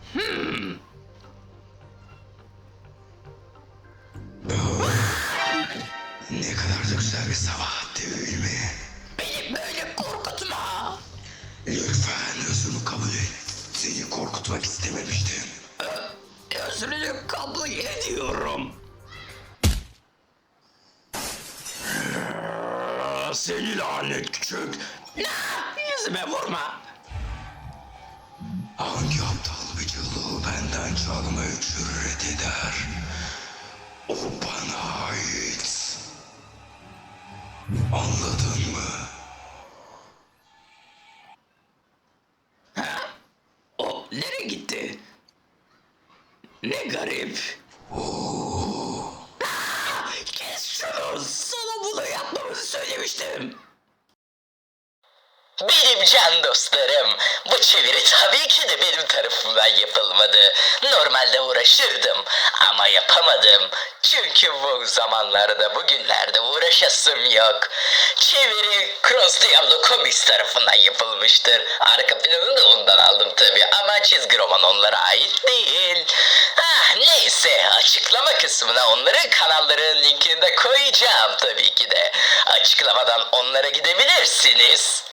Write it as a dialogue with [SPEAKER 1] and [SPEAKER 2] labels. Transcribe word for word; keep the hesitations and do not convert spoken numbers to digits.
[SPEAKER 1] Ne kadar da güzel bir sabah değil mi?
[SPEAKER 2] Beni böyle korkutma.
[SPEAKER 1] Lütfen özümü kabul et. Seni korkutmak istememiştim.
[SPEAKER 2] Özrünü kabul ediyorum.
[SPEAKER 1] Seni lanet küçük.
[SPEAKER 2] Yüzüme vurma.
[SPEAKER 1] Hangi aptal vücudu benden çalmayı cüret eder? O bana ait. Anladın mı?
[SPEAKER 2] O nereye gitti? Ne garip. Kes şunu. Sana bunu yapmamızı söylemiştim.
[SPEAKER 3] Benim can dostlarım, bu çeviri tabii ki de benim tarafımdan yapılmadı. Normalde uğraşırdım ama yapamadım. Çünkü bu zamanlarda, bugünlerde uğraşasım yok. Çeviri Cross Diablo Comics tarafından yapılmıştır. Arka planını da ondan aldım tabii ama çizgi roman onlara ait değil. Ah neyse, açıklama kısmına onların kanallarının linkini de koyacağım tabii ki de. Açıklamadan onlara gidebilirsiniz.